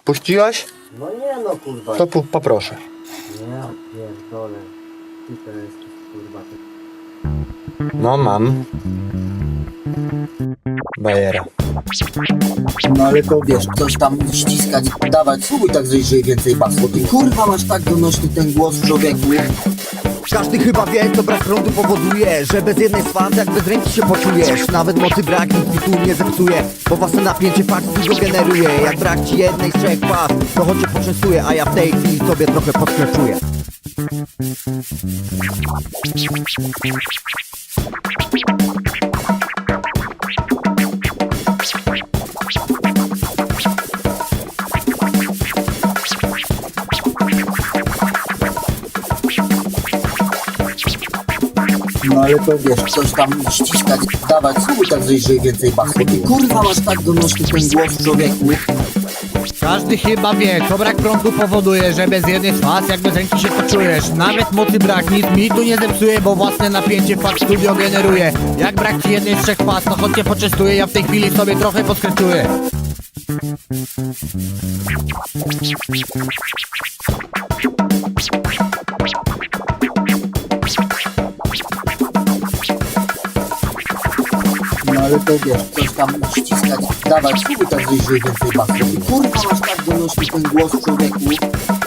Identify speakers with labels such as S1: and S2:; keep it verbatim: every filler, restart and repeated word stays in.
S1: Puściłeś?
S2: No nie no kurwa.
S1: To pu- poproszę.
S2: Ja pierdolę. Ty to jesteś kurwa.
S1: No mam. Bajera.
S3: No ale to wiesz, coś tam ściskać, dawać, spróbuj tak zejść, że więcej basło. Ty kurwa masz tak donośny ten głos, człowieku.
S4: Każdy chyba wie, to brak prądu powoduje, że bez jednej z faz jak bez ręki się poczujesz. Nawet mocy brak nic mi tu nie zepsuje, bo własne napięcie fakt dużo generuje. Jak brak ci jednej z trzech faz, to choć cię poczęstuje, a ja w tej chwili sobie trochę podkręcuję.
S3: No ale to wiesz, coś tam ściskać, dawać, spróbuj tak zejść, że więcej basło. Ty kurwa masz tak donośny ten głos, człowieku.
S5: Każdy chyba wie, to brak prądu powoduje, że bez jednej z faz jak bez ręki się poczujesz. Nawet mocy brak nic mi tu nie zepsuje, bo własne napięcie fakt studio generuje. Jak brak ci jednej z trzech faz, to choć cię poczęstuję, ja w tej chwili sobie trochę podkręcuję.
S3: No ale to wiesz, coś tam ściskać, dawać, spróbuj tak zejść, że więcej basło. Ty kurwa masz tak donośny ten głos, człowieku.